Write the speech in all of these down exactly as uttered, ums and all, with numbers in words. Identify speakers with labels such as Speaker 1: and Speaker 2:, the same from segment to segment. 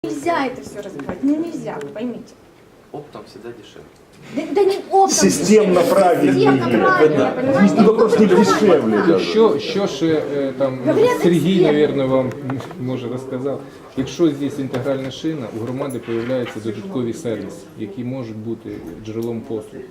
Speaker 1: Нельзя это все разбивать, ну нельзя, вы поймите.
Speaker 2: Оптом всегда дешевле.
Speaker 1: Да, да не оптом.
Speaker 3: Системно правильно.
Speaker 1: Системно правильно, понимаете?
Speaker 3: Вопрос не дешевле даже.
Speaker 4: Що, що ще е, там
Speaker 1: Говорять,
Speaker 4: Сергій,
Speaker 1: експерт.
Speaker 4: мабуть, вам може розказав. Якщо здесь інтегральна шина, у громади з'являються додаткові сервіси, які можуть бути джерелом послуг.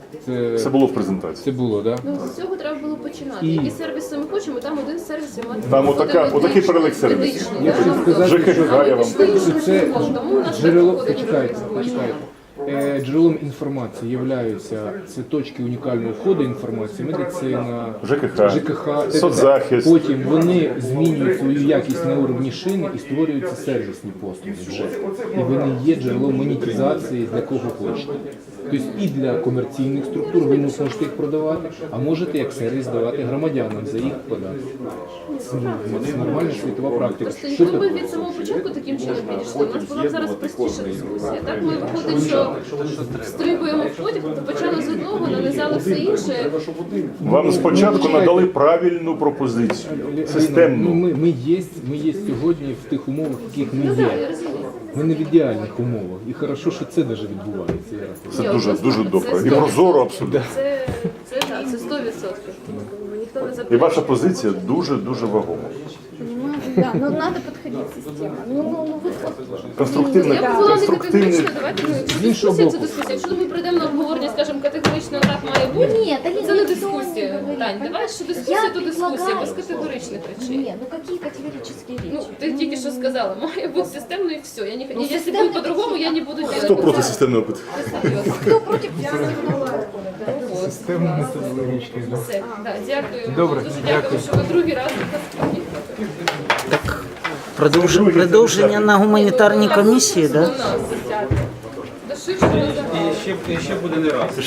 Speaker 4: Це,
Speaker 3: Це було в презентації.
Speaker 4: це було, так? Да?
Speaker 5: Ну, з цього треба було починати.
Speaker 4: І-
Speaker 5: Які сервіси ми хочемо, там один сервіс і мати.
Speaker 3: Там отака- отакий перелік сервісів.
Speaker 4: Я хочу сказати,
Speaker 3: ЖКХ
Speaker 4: що
Speaker 3: я вам
Speaker 4: що це
Speaker 5: Тому у нас
Speaker 4: джерело,
Speaker 5: так виходить,
Speaker 4: почекайте,
Speaker 5: що
Speaker 4: почекайте. Е, Джерелом інформації являються це точки унікального входу інформації, медицина,
Speaker 3: ЖКХ,
Speaker 4: ЖКХ,
Speaker 3: соцзахист.
Speaker 4: Потім вони змінюють свою якість на уровні шини і створюються сервісні послуги вже. І вони є джерелом монетизації для кого хочете. Тобто і для комерційних структур ви не можете їх продавати, а можете як сервіс давати громадянам за їх податки. Це, ну, це нормальна світова практика.
Speaker 5: Просто
Speaker 4: Що
Speaker 5: якби
Speaker 4: таке?
Speaker 5: ми від самого початку таким чином підійшли, у нас була б зараз простіша дискусія. Так ми виходить, що стрибуємо в потяг, то почали з одного, нанизали все інше.
Speaker 3: Вам спочатку надали правильну пропозицію,
Speaker 4: Ну,
Speaker 3: системну.
Speaker 4: ми, ми, є, ми є сьогодні в тих умовах, в яких ми
Speaker 5: Ну так, я
Speaker 4: є.
Speaker 5: розумію.
Speaker 4: Ми не в ідеальних умовах. І хорошо, що це навіть відбувається. Я рахую.
Speaker 3: Це
Speaker 5: Ні,
Speaker 3: дуже,
Speaker 5: однозначно,
Speaker 3: дуже
Speaker 5: це
Speaker 3: добре. І
Speaker 5: сто
Speaker 3: прозоро
Speaker 5: відсотків.
Speaker 3: абсолютно.
Speaker 5: Це, це так, це сто відсотків. Ніхто не
Speaker 3: І
Speaker 5: заперечує.
Speaker 3: ваша позиція дуже-дуже вагома.
Speaker 1: Понимаете? Да, но надо подходить системно. Ну, ну, ну вы вот.
Speaker 3: Конструктивний,
Speaker 5: Я б була не
Speaker 3: конструктивний.
Speaker 5: категорична, давайте ну,
Speaker 4: З іншого
Speaker 5: дискусія це
Speaker 4: боку.
Speaker 5: дискусія. Якщо ми прийдемо на обговорення, скажемо категорично так має бути,
Speaker 1: Нет, Алина,
Speaker 5: це не
Speaker 1: никто
Speaker 5: дискусія.
Speaker 1: не говорит,
Speaker 5: Тань, давай,
Speaker 1: понимаете?
Speaker 5: що дискусія,
Speaker 1: Я
Speaker 5: то дискусія,
Speaker 1: предлагаю.
Speaker 5: без категоричних речей.
Speaker 1: Нет, ну какие категорические речи?
Speaker 5: Ну, ти тільки що сказала, має бути системно і все. Я не,
Speaker 1: Ну,
Speaker 5: якщо
Speaker 1: системно
Speaker 5: буде по-другому, я не буду делать.
Speaker 3: Хто проти системного питання?
Speaker 1: Кто против системного?
Speaker 4: Системно методологічний. да.
Speaker 5: Все, да, дякую.
Speaker 4: Добре,
Speaker 5: Дуже
Speaker 4: дякую.
Speaker 5: дякую, що ви другий раз до нас приїхали.
Speaker 6: Продовж- Продовження на гуманітарній комісії, так? Да?
Speaker 5: У нас. Да ширше не
Speaker 2: І ще, і ще буде не раз.